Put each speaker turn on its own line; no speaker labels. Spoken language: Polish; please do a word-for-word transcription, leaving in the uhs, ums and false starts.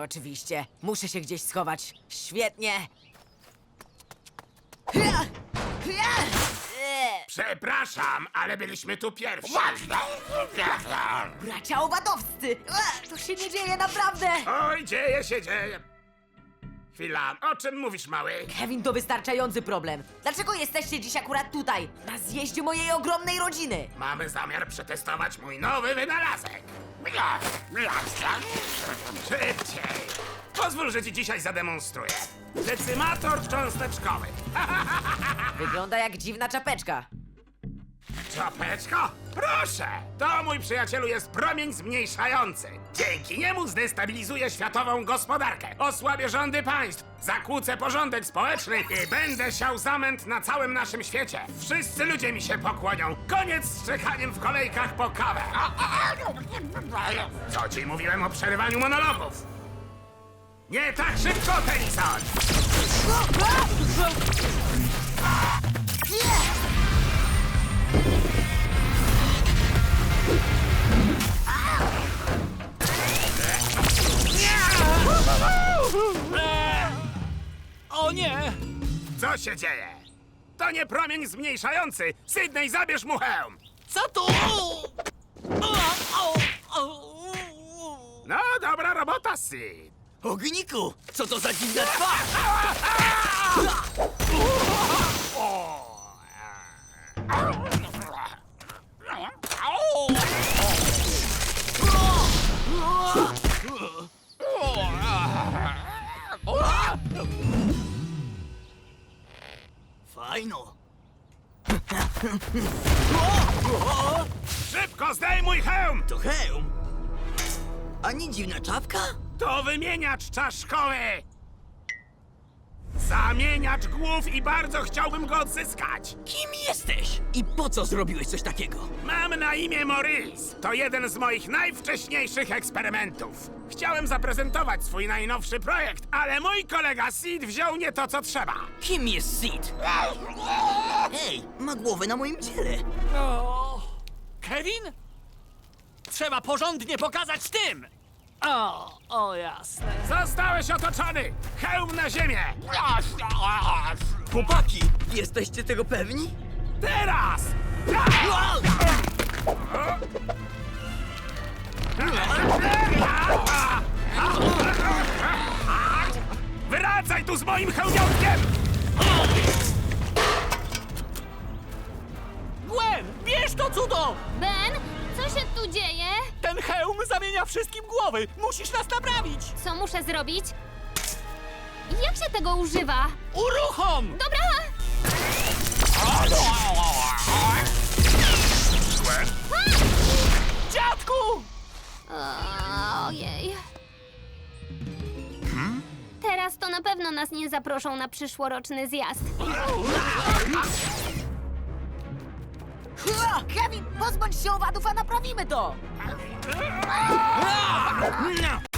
Oczywiście. Muszę się gdzieś schować. Świetnie.
Przepraszam, ale byliśmy tu pierwsi.
Bracia owadowscy! E, To się nie dzieje naprawdę!
Oj, dzieje się, dzieje. Chwila, o czym mówisz, mały?
Kevin, to wystarczający problem. Dlaczego jesteście dziś akurat tutaj, na zjeździe mojej ogromnej rodziny?
Mamy zamiar przetestować mój nowy wynalazek. Szybciej. Pozwól, że ci dzisiaj zademonstruję. Decymator cząsteczkowy.
Wygląda jak dziwna czapeczka.
Czapeczko? Proszę! To, mój przyjacielu, jest promień zmniejszający. Dzięki niemu zdestabilizuję światową gospodarkę, osłabię rządy państw, zakłócę porządek społeczny i będę siał zamęt na całym naszym świecie. Wszyscy ludzie mi się pokłonią. Koniec z czekaniem w kolejkach po kawę. Co ci mówiłem o przerywaniu monologów? Nie tak szybko, Tennyson!
O nie!
Co się dzieje? To nie promień zmniejszający! Sydney, zabierz mu hełm!
Co tu? O, o, o.
No, dobra robota, Sid.
Ogniku! Co to za dziwna twarz? Fajno.
Szybko zdejmuj hełm!
To hełm. Ani dziwna czapka?
To wymieniacz czaszkowy! Zamieniacz głów i bardzo chciałbym go odzyskać!
Kim jesteś? I po co zrobiłeś coś takiego?
Mam na imię Maurice. To jeden z moich najwcześniejszych eksperymentów. Chciałem zaprezentować swój najnowszy projekt, ale mój kolega Sid wziął nie to, co trzeba.
Kim jest Sid? Hej, ma głowę na moim ciele.
O, Kevin? Trzeba porządnie pokazać tym! O, o jasne.
Zostałeś otoczony! Hełm na ziemię!
Chłopaki, jesteście tego pewni?
Teraz! Wracaj tu z moim hełmiotkiem!
Gwen, bierz to cudo!
Ben, co się tu dzieje?
Ten hełm zamienia wszystkim głowy! Musisz nas naprawić!
Co muszę zrobić? Jak się tego używa?
Uruchom!
Dobra!
Dziadku!
O, ojej. Teraz to na pewno nas nie zaproszą na przyszłoroczny zjazd.
Ha! Kevin, pozbądź się owadów, a naprawimy to!